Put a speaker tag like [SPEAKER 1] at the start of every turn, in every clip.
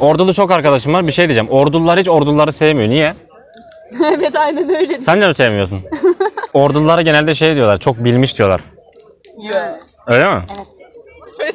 [SPEAKER 1] Ordulu çok arkadaşım var. Bir şey diyeceğim. Ordular hiç orduları sevmiyor. Niye?
[SPEAKER 2] Evet aynen öyle.
[SPEAKER 1] Sen de mi sevmiyorsun? Ordulara genelde şey diyorlar. Çok bilmiş diyorlar.
[SPEAKER 2] Yok.
[SPEAKER 1] Öyle mi?
[SPEAKER 2] Evet.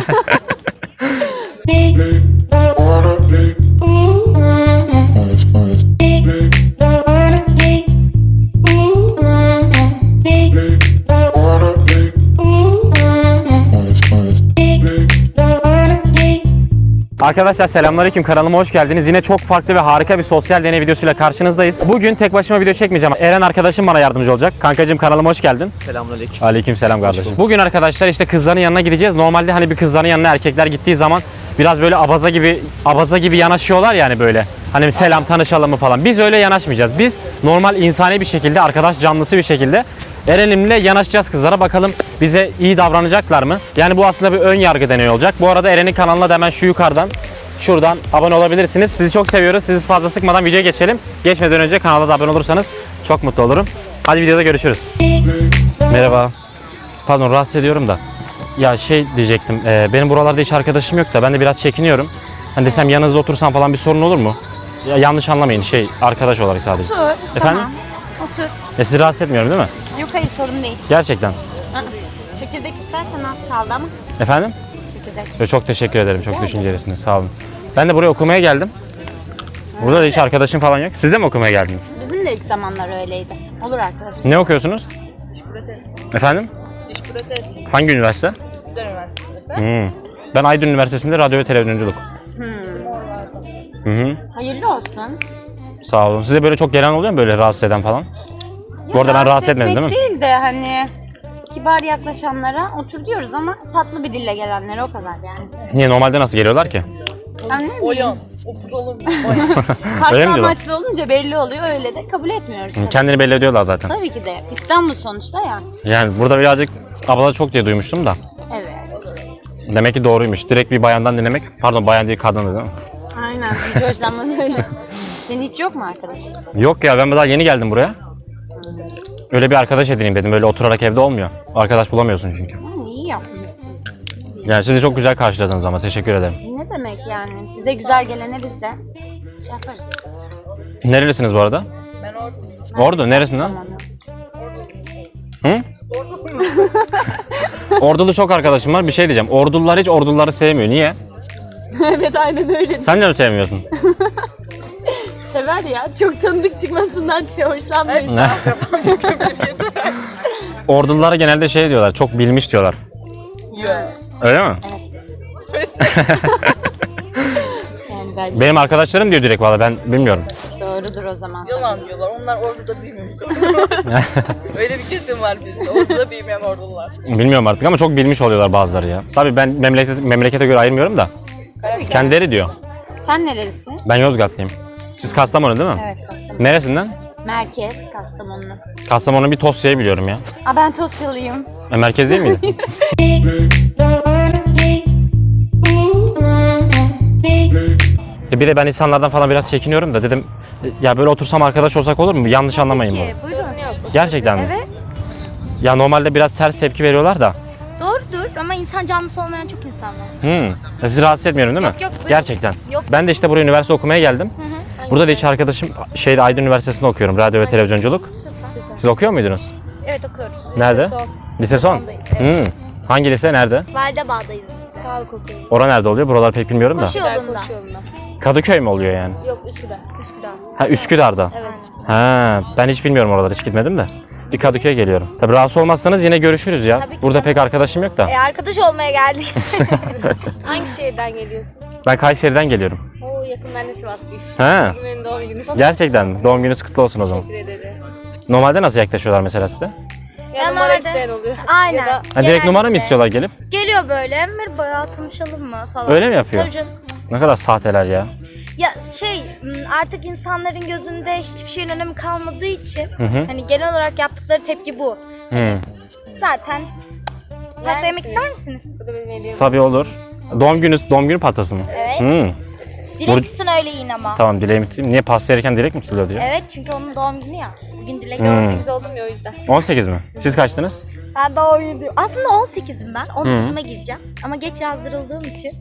[SPEAKER 1] Arkadaşlar selamünaleyküm, kanalıma hoş geldiniz. Yine çok farklı ve harika bir sosyal deney videosuyla karşınızdayız. Bugün tek başıma video çekmeyeceğim. Eren arkadaşım bana yardımcı olacak. Kankacığım kanalıma hoş geldin.
[SPEAKER 3] Selamünaleyküm.
[SPEAKER 1] Aleykümselam kardeşim. Bugün arkadaşlar işte kızların yanına gideceğiz. Normalde hani bir kızların yanına erkekler gittiği zaman biraz böyle abaza gibi yanaşıyorlar yani böyle. Hani selam tanışalım mı falan. Biz öyle yanaşmayacağız. Biz normal insani bir şekilde, arkadaş canlısı bir şekilde Eren'imle yanaşacağız kızlara. Bakalım bize iyi davranacaklar mı? Yani bu aslında bir ön yargı deneyi olacak. Bu arada Eren'in kanalına da hemen şu yukarıdan, şuradan abone olabilirsiniz. Sizi çok seviyoruz. Sizi fazla sıkmadan videoya geçelim. Geçmeden önce kanala da abone olursanız çok mutlu olurum. Hadi videoda görüşürüz. Merhaba. Pardon, rahatsız ediyorum da. Ya şey diyecektim. Benim buralarda hiç arkadaşım yok da ben de biraz çekiniyorum. Hani desem yanınızda otursam falan bir sorun olur mu? Ya yanlış anlamayın, arkadaş olarak sadece.
[SPEAKER 2] Otur.
[SPEAKER 1] Efendim?
[SPEAKER 2] Tamam. Otur.
[SPEAKER 1] Sizi rahatsız etmiyorum değil mi?
[SPEAKER 2] Yok hayır sorun değil.
[SPEAKER 1] Gerçekten.
[SPEAKER 2] Çekirdek istersen az kaldı ama.
[SPEAKER 1] Efendim?
[SPEAKER 2] Çekirdek.
[SPEAKER 1] Çok teşekkür ederim. Çok düşüncelisiniz. Sağ olun. Ben de buraya okumaya geldim. Burada da hiç arkadaşım falan yok. Siz de mi okumaya geldiniz?
[SPEAKER 2] Bizim de ilk zamanlar öyleydi. Olur arkadaşlar.
[SPEAKER 1] Ne okuyorsunuz?
[SPEAKER 2] Diş protezi.
[SPEAKER 1] Efendim?
[SPEAKER 2] Diş protezi.
[SPEAKER 1] Hangi üniversite?
[SPEAKER 2] Güzel üniversitesi.
[SPEAKER 1] Ben Aydın Üniversitesi'nde radyo ve televizyonculuk.
[SPEAKER 2] Hayırlı olsun.
[SPEAKER 1] Sağ olun. Size böyle çok gelen oluyor mu böyle rahatsız eden falan? Bu arada ben rahatsız etmedim değil mi?
[SPEAKER 2] Değil de hani kibar yaklaşanlara otur diyoruz ama tatlı bir dille gelenlere o kadar yani.
[SPEAKER 1] Niye, normalde nasıl geliyorlar ki?
[SPEAKER 2] Ben ne bileyim.
[SPEAKER 4] Oyan, oturalım.
[SPEAKER 1] Öyle mi
[SPEAKER 2] Farklı
[SPEAKER 1] diyorlar?
[SPEAKER 2] amaçlı olunca belli oluyor, öyle de kabul etmiyoruz. Tabii.
[SPEAKER 1] Kendini belli ediyorlar zaten.
[SPEAKER 2] Tabii ki de. İstanbul sonuçta ya.
[SPEAKER 1] Yani burada birazcık abla çok diye duymuştum da.
[SPEAKER 2] Evet.
[SPEAKER 1] Demek ki doğruymuş. Direkt bir bayandan dinlemek. Pardon, bayan değil, kadın değil mi?
[SPEAKER 2] Aynen. Hiç hoşlanmaz öyle. Senin hiç yok mu arkadaş?
[SPEAKER 1] Yok ya, ben daha yeni geldim buraya. Öyle bir arkadaş edineyim dedim. Böyle oturarak evde olmuyor. Arkadaş bulamıyorsun çünkü.
[SPEAKER 2] İyi yapmışsın.
[SPEAKER 1] Yani sizi çok güzel karşıladınız ama teşekkür ederim.
[SPEAKER 2] Ne demek yani? Bize güzel gelene biz de şey yaparız.
[SPEAKER 1] Nerelisiniz bu arada?
[SPEAKER 4] Ben orada.
[SPEAKER 1] Ordu. Neresinden?
[SPEAKER 2] Tamam.
[SPEAKER 1] Hı? Ordulu çok arkadaşım var. Bir şey diyeceğim. Ordular hiç orduları sevmiyor. Niye?
[SPEAKER 2] Evet aynen öyle.
[SPEAKER 1] Sen de mi sevmiyorsun?
[SPEAKER 2] Sever ya. Çok tanıdık çıkmasından hoşlanmıyor.
[SPEAKER 1] Ne? Ordulara genelde şey diyorlar. Çok bilmiş diyorlar.
[SPEAKER 4] Yok.
[SPEAKER 1] Öyle mi?
[SPEAKER 2] Yani bence
[SPEAKER 1] Benim arkadaşlarım diyor direkt, valla ben bilmiyorum.
[SPEAKER 2] doğrudur o zaman.
[SPEAKER 4] Yalan diyorlar. Onlar orduda büyümüyor. Öyle bir kesim var bizde. Orduda büyümeyen ordular.
[SPEAKER 1] Bilmiyorum artık ama çok bilmiş oluyorlar bazıları ya. Tabii ben memlekete göre ayırmıyorum da. Kendileri diyor.
[SPEAKER 2] Sen nerelisin?
[SPEAKER 1] Ben Yozgatlıyım. Siz Kastamonu değil mi?
[SPEAKER 2] Evet Kastamonu.
[SPEAKER 1] Neresinden?
[SPEAKER 2] Merkez Kastamonu.
[SPEAKER 1] Kastamonu'nun bir Tosya'yı biliyorum ya.
[SPEAKER 2] Aa ben Tosyalıyım.
[SPEAKER 1] Merkez değil miydi? Bir de ben insanlardan falan biraz çekiniyorum da dedim ya böyle otursam arkadaş olsak olur mu? Yanlış anlamayın bunu.
[SPEAKER 2] Buyurun.
[SPEAKER 1] Gerçekten mi?
[SPEAKER 5] Evet,
[SPEAKER 1] Ya normalde biraz ters tepki veriyorlar da.
[SPEAKER 5] doğrudur ama insan canlısı olmayan çok insan var.
[SPEAKER 1] Sizi rahatsız etmiyorum değil mi?
[SPEAKER 5] Yok, buyurun.
[SPEAKER 1] Gerçekten.
[SPEAKER 5] Yok.
[SPEAKER 1] Ben de işte buraya üniversite okumaya geldim. Burada da hiç arkadaşım Aydın Üniversitesi'nde okuyorum. Radyo ve televizyonculuk. Siz okuyor muydunuz?
[SPEAKER 5] Evet, okuyoruz.
[SPEAKER 1] Nerede? Lise son.
[SPEAKER 5] Sondayız,
[SPEAKER 1] Hangi lise? Nerede?
[SPEAKER 5] Validebağ'dayız biz. Sağlık okuyoruz.
[SPEAKER 1] Ora nerede oluyor? Buraları pek bilmiyorum da.
[SPEAKER 5] Koşu yolunda.
[SPEAKER 1] Kadıköy mü oluyor yani?
[SPEAKER 5] Yok, Üsküdar. Üsküdar.
[SPEAKER 1] Ha, Üsküdar'da.
[SPEAKER 5] Evet.
[SPEAKER 1] Ha, ben hiç bilmiyorum oraları, hiç gitmedim de. Bir Kadıköy'e geliyorum. Tabii rahatsız olmazsanız yine görüşürüz ya.
[SPEAKER 5] Tabii ki
[SPEAKER 1] Burada
[SPEAKER 5] de.
[SPEAKER 1] pek arkadaşım yok da.
[SPEAKER 5] Arkadaş olmaya geldik.
[SPEAKER 4] Hangi şehirden geliyorsun?
[SPEAKER 1] Ben Kayseri'den geliyorum.
[SPEAKER 4] Oo yakın, ben de Sivaslıyım.
[SPEAKER 1] Ha,
[SPEAKER 4] Benim doğum günü falan.
[SPEAKER 1] gerçekten mi? Doğum gününüz kutlu olsun o zaman.
[SPEAKER 4] Teşekkür ederim.
[SPEAKER 1] Normalde nasıl yaklaşıyorlar mesela size?
[SPEAKER 4] Ya
[SPEAKER 5] Ben
[SPEAKER 4] numara
[SPEAKER 5] nerede?
[SPEAKER 4] isteyen oluyor.
[SPEAKER 5] Aynen.
[SPEAKER 4] Ya da
[SPEAKER 1] Ha, direkt
[SPEAKER 5] Genellikle.
[SPEAKER 1] numara mı istiyorlar gelip?
[SPEAKER 5] Geliyor böyle, merhaba ya tanışalım mı falan.
[SPEAKER 1] Öyle mi yapıyor?
[SPEAKER 5] Tabii canım.
[SPEAKER 1] Ne kadar sahteler ya.
[SPEAKER 5] Ya artık insanların gözünde hiçbir şeyin önemi kalmadığı için
[SPEAKER 1] hı.
[SPEAKER 5] hani genel olarak yaptıkları tepki bu.
[SPEAKER 1] Hı.
[SPEAKER 5] Zaten pasta yemek
[SPEAKER 4] misiniz?
[SPEAKER 5] ister misiniz?
[SPEAKER 4] bu da benim hediyem.
[SPEAKER 1] Tabii olur. Doğum günü pastası mı?
[SPEAKER 5] Evet.
[SPEAKER 1] Hı.
[SPEAKER 5] Dilek tutun öyle yiyin ama.
[SPEAKER 1] Tamam, dileğimi tutayım. Niye pasta yerken dilek mi tutuluyor diyor?
[SPEAKER 5] Evet, çünkü onun doğum günü ya. Bugün dilek
[SPEAKER 4] 18 oldum ya o yüzden.
[SPEAKER 1] 18 mi? Siz kaçtınız?
[SPEAKER 5] Ben doğum günü diyorum. Aslında 18'im ben. 19'uma gireceğim. Ama geç yazdırıldığım için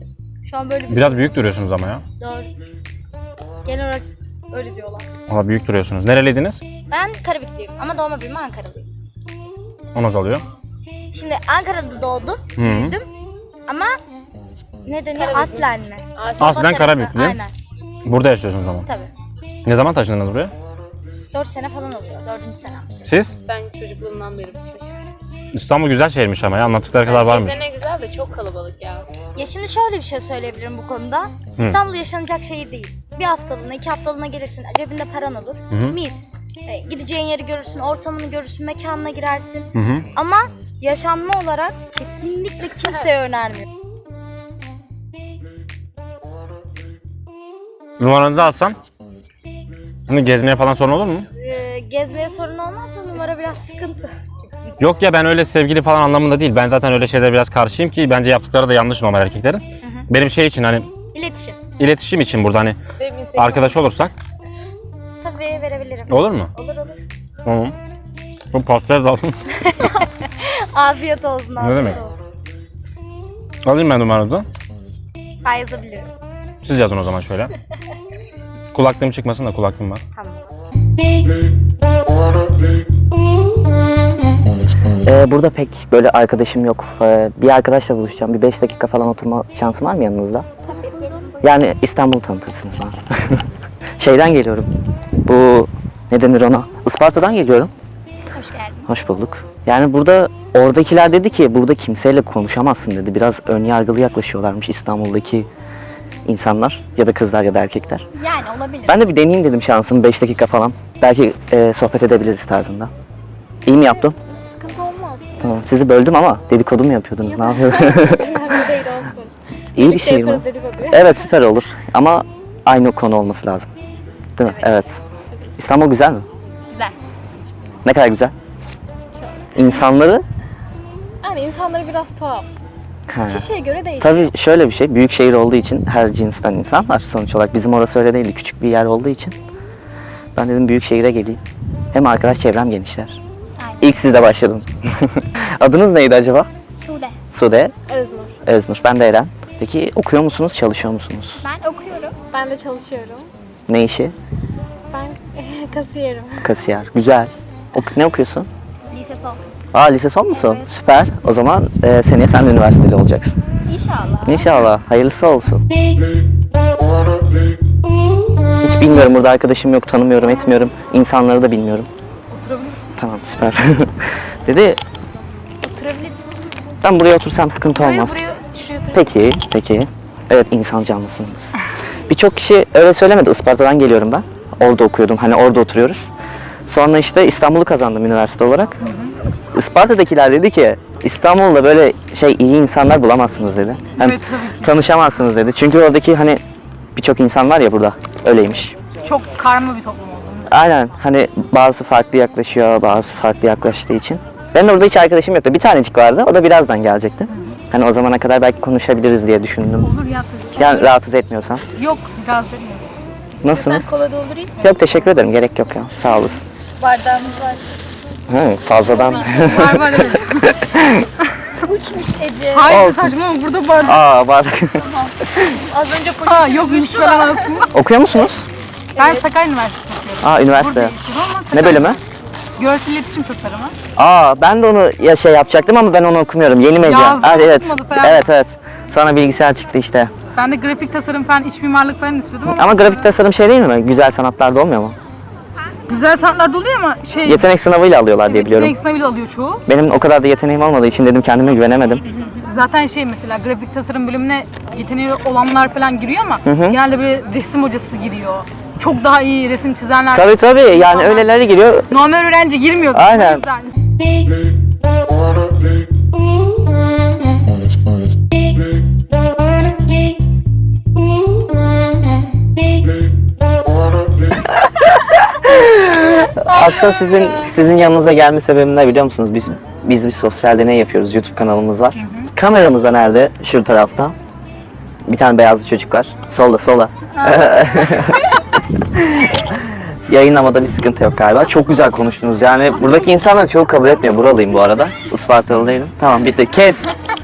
[SPEAKER 5] Şu an böyle bir
[SPEAKER 1] Biraz büyük duruyorsunuz ama ya.
[SPEAKER 5] doğru. Genel olarak öyle diyorlar.
[SPEAKER 1] Ama büyük duruyorsunuz. Nereliydiniz?
[SPEAKER 5] Ben Karabikliyim ama doğma büyüme Ankaralıyım.
[SPEAKER 1] O nasıl oluyor?
[SPEAKER 5] Şimdi Ankara'da doğdum,
[SPEAKER 1] Hı.
[SPEAKER 5] büyüdüm ama ne deniyor? Aslen mi?
[SPEAKER 1] Aslen
[SPEAKER 5] Baba
[SPEAKER 1] Karabüklü.
[SPEAKER 5] tarafı, aynen.
[SPEAKER 1] Burada yaşıyorsunuz ama.
[SPEAKER 5] Tabii.
[SPEAKER 1] Ne zaman taşındınız buraya?
[SPEAKER 5] 4 sene falan oluyor. 4. senem.
[SPEAKER 1] Siz?
[SPEAKER 4] Ben çocukluğumdan beri buradayım.
[SPEAKER 1] İstanbul güzel şehirmiş ama ya. Anlattıkları kadar varmış.
[SPEAKER 4] Gezene güzel de çok kalabalık ya.
[SPEAKER 5] Ya şimdi şöyle bir şey söyleyebilirim bu konuda. İstanbul yaşanacak şehir değil. Bir haftalığına, 2 haftalığına gelirsin, cebinde paran olur. Mis. Gideceğin yeri görürsün, ortamını görürsün, mekanına girersin.
[SPEAKER 1] Hı.
[SPEAKER 5] Ama yaşanma olarak kesinlikle kimseye önermiyorum.
[SPEAKER 1] Numaranızı alsam. Bunu gezmeye falan sorun olur mu?
[SPEAKER 5] Gezmeye sorun olmazsa numara biraz sıkıntı.
[SPEAKER 1] Yok ya, ben öyle sevgili falan anlamında değil. Ben zaten öyle şeylere biraz karşıyım ki bence yaptıkları da yanlış normal erkeklerin. Benim şey için hani
[SPEAKER 5] İletişim.
[SPEAKER 1] iletişim için burada hani
[SPEAKER 4] Benim Instagram
[SPEAKER 1] arkadaş olursak
[SPEAKER 5] Tabii verebilirim.
[SPEAKER 1] olur mu?
[SPEAKER 5] Olur olur.
[SPEAKER 1] Tamam. Bu pastayı da alayım.
[SPEAKER 5] Afiyet olsun, afiyet
[SPEAKER 1] demek?
[SPEAKER 5] olsun.
[SPEAKER 1] Alayım ben numaranızı.
[SPEAKER 5] Ben yazabilirim.
[SPEAKER 1] Siz yazın o zaman şöyle. Kulaklığım çıkmasın da, kulaklığım var.
[SPEAKER 5] Tamam.
[SPEAKER 3] Burada pek böyle arkadaşım yok. Bir arkadaşla buluşacağım. Bir 5 dakika falan oturma şansım var mı yanınızda? Yani İstanbul'u tanıtırsınız bana. Şeyden geliyorum. Bu ne denir ona? Isparta'dan geliyorum.
[SPEAKER 5] Hoş geldin.
[SPEAKER 3] Hoş bulduk. Yani burada oradakiler dedi ki burada kimseyle konuşamazsın dedi. Biraz ön yargılı yaklaşıyorlarmış İstanbul'daki insanlar ya da kızlar ya da erkekler.
[SPEAKER 5] Yani olabilir.
[SPEAKER 3] Ben de bir deneyeyim dedim şansımı 5 dakika falan. Belki sohbet edebiliriz tarzında. İyi mi yaptım?
[SPEAKER 5] Sıkıntı olmaz.
[SPEAKER 3] Tamam. Sizi böldüm ama dedikodu mu yapıyordunuz? Ne yapıyordunuz?
[SPEAKER 5] Önemli değil olsun.
[SPEAKER 3] İyi bir şey mi? Evet, süper olur. Ama aynı konu olması lazım. Değil mi? Evet. İstanbul güzel mi?
[SPEAKER 5] Güzel.
[SPEAKER 3] Ne kadar güzel? İnsanları?
[SPEAKER 6] Yani insanları biraz tuhaf.
[SPEAKER 3] Ha.
[SPEAKER 6] Kişiye göre değişiyor.
[SPEAKER 3] Tabii şöyle bir şey, büyük şehir olduğu için her cinsten insan var sonuç olarak. Bizim orası öyle değildi, küçük bir yer olduğu için. Ben dedim büyük şehire geleyim. Hem arkadaş çevrem genişler.
[SPEAKER 5] Aynen.
[SPEAKER 3] İlk sizde başladım. Adınız neydi acaba?
[SPEAKER 5] Sude.
[SPEAKER 3] Sude,
[SPEAKER 6] Öznur.
[SPEAKER 3] Öznur. Ben de Eren. Peki okuyor musunuz, çalışıyor musunuz?
[SPEAKER 6] Ben okuyorum. Ben de çalışıyorum.
[SPEAKER 3] Ne işi?
[SPEAKER 6] Ben kasiyerim.
[SPEAKER 3] Kasiyer. Güzel. Ne okuyorsun?
[SPEAKER 5] Lise son.
[SPEAKER 3] Aa, lise son musun? Süper. O zaman seneye sen de üniversiteli olacaksın.
[SPEAKER 5] İnşallah.
[SPEAKER 3] İnşallah. Hayırlısı olsun. Hiç bilmiyorum, burada arkadaşım yok, tanımıyorum, etmiyorum. İnsanları da bilmiyorum.
[SPEAKER 6] Oturabilirsin.
[SPEAKER 3] Tamam, süper. Dedi,
[SPEAKER 6] Oturabilirsin.
[SPEAKER 3] ben buraya otursam sıkıntı olmaz.
[SPEAKER 6] Şuraya otur.
[SPEAKER 3] Peki, peki. Evet, insan canlısınız. Birçok kişi öyle söylemedi. Isparta'dan geliyorum ben. Orada okuyordum, hani orada oturuyoruz. Sonra işte İstanbul'u kazandım üniversite olarak. Isparta'dakiler dedi ki, İstanbul'da böyle iyi insanlar bulamazsınız dedi. Hem
[SPEAKER 6] Evet, tabii ki.
[SPEAKER 3] tanışamazsınız dedi. Çünkü oradaki hani birçok insan var ya burada, öyleymiş.
[SPEAKER 6] Çok karma bir toplum oldu.
[SPEAKER 3] Aynen, hani bazı farklı yaklaşıyor, bazı farklı yaklaştığı için. Benim de orada hiç arkadaşım yoktu. Bir tanecik vardı, o da birazdan gelecekti. Hani o zamana kadar belki konuşabiliriz diye düşündüm.
[SPEAKER 6] Olur ya tabii ki.
[SPEAKER 3] Yani rahatsız etmiyorsan.
[SPEAKER 6] Yok, gaz vermiyor.
[SPEAKER 3] Nasılsınız?
[SPEAKER 6] Sen kola doldurayım mı?
[SPEAKER 3] Yok, teşekkür ederim, gerek yok ya. Sağ olasın.
[SPEAKER 6] Bardağımız var.
[SPEAKER 3] Fazladan.
[SPEAKER 6] Var var evet.
[SPEAKER 5] Uçmuş Ece.
[SPEAKER 6] Hayır
[SPEAKER 3] Olsun.
[SPEAKER 6] saçma ama burada bardak.
[SPEAKER 3] Aa, var.
[SPEAKER 6] Az önce poşet yokmuş falan aslında.
[SPEAKER 3] Okuyor musunuz?
[SPEAKER 6] Ben Sakarya Üniversitesi'nde okuyorum.
[SPEAKER 3] Aa, üniversite.
[SPEAKER 6] Burada yaşıyorum ama
[SPEAKER 3] Ne
[SPEAKER 6] Sakarya
[SPEAKER 3] bölümü?
[SPEAKER 6] Görsel iletişim tasarımı.
[SPEAKER 3] Aa, ben de onu yapacaktım ama ben onu okumuyorum. Yeni medya.
[SPEAKER 6] Yazdın,
[SPEAKER 3] Evet.
[SPEAKER 6] okumadı falan.
[SPEAKER 3] Evet. Sonra bilgisayar çıktı işte.
[SPEAKER 6] Ben de grafik tasarım falan, iç mimarlık falan istiyordum ama...
[SPEAKER 3] Ama grafik tasarım değil mi? Güzel sanatlarda olmuyor mu?
[SPEAKER 6] Güzel sanatlarda oluyor ama
[SPEAKER 3] Yetenek sınavıyla alıyorlar diye biliyorum.
[SPEAKER 6] yetenek sınavıyla alıyor çoğu.
[SPEAKER 3] Benim o kadar da yeteneğim olmadığı için dedim kendime güvenemedim.
[SPEAKER 6] Zaten mesela grafik tasarım bölümüne yeteneği olanlar falan giriyor ama genelde böyle resim hocası giriyor. Çok daha iyi resim çizenler.
[SPEAKER 3] Tabii yani öyleleri giriyor.
[SPEAKER 6] Normal öğrenci girmiyor.
[SPEAKER 3] Aynen.
[SPEAKER 6] O yüzden.
[SPEAKER 3] Aslında sizin yanınıza gelme sebebim ne biliyor musunuz? Biz bir sosyal deney yapıyoruz. YouTube kanalımız var. Kameramız da nerede? Şu tarafta. Bir tane beyazlı çocuk var. Solda. Yayınlamada bir sıkıntı yok galiba. Çok güzel konuştunuz. Yani buradaki insanlar çok kabul etmiyor. Buralıyım bu arada. Ispartalı değilim. Tamam, bitti. Kes.